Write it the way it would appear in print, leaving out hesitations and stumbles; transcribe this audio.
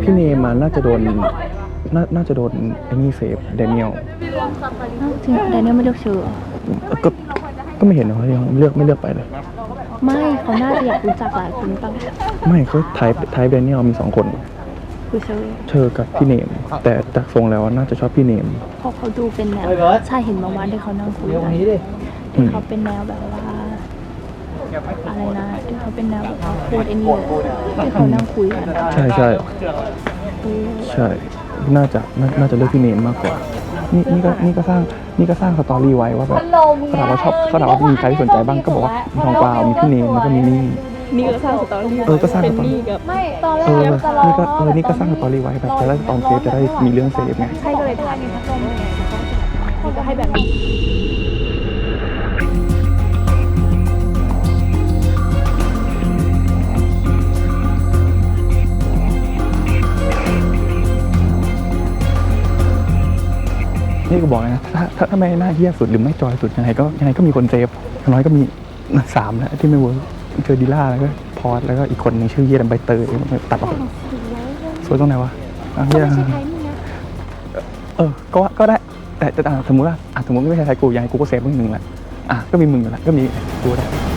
พี่เนมน่าจะโดนน่าจะโดนไอ้นี่เซฟแดเนียลจริงแดเนียลไม่เลือกเชื่อก็ไม่เห็นนะเขาเลือกไม่เลือกไปเลยไม่เขาน่าจะอยากรู้จักหลายคนตั้งไม่เขาไทป์แดเนียลมี2 คนคือเธอกับพี่เนมแต่จากทรงแล้วน่าจะชอบพี่เนมเพราะเขาดูเป็นแนวใช่เห็นบางวันที่เขานั่งคุยกันที่เขาเป็นแนวแบบว่าอะไรนะที่เขาเป็นแนวแบบว่าโคตรไอ้นี่ที่เขานั่งคุยกันใช่ใช่น่าจะเลือกพี่เนมมากกว่านี่ก็สร้างสตอรี่ไว้ว่าแบบเขาถามว่ามีใครที่สนใจบ้างก็บอกว่ามีทองกวาวมีพี่เนมแล้วก็มีนี่ก็สร้างสตอรี่ก็สร้างสตอรี่ไม่ตอนแรกนี่ก็สร้างสตอรี่ไว้แบบจะได้ตอนเซฟจะได้มีเรื่องเซฟไงใช่ก็เลยถ่ายพัดลมไงแล้วก็ให้แบบนี้นี่ก็บอกนะถ้าไม่น่าเหี้ยสุดหรือไม่จอยสุดยังไงก็มีคนเซฟอย่างน้อยก็มี3แล้วที่ไม่เวิร์กเจอดิล่าแล้วก็พอดแล้วก็อีกคนนึงชื่อเหี้ยใบเตยตัดออกสวยตรงไหนวะเหี้ยก็ได้แต่สมมติว่าสมมติไม่ใช่ไทยกูยังไงกูก็เซฟมึง1แหละก็มีมึงอยู่แล้วก็มีกูได้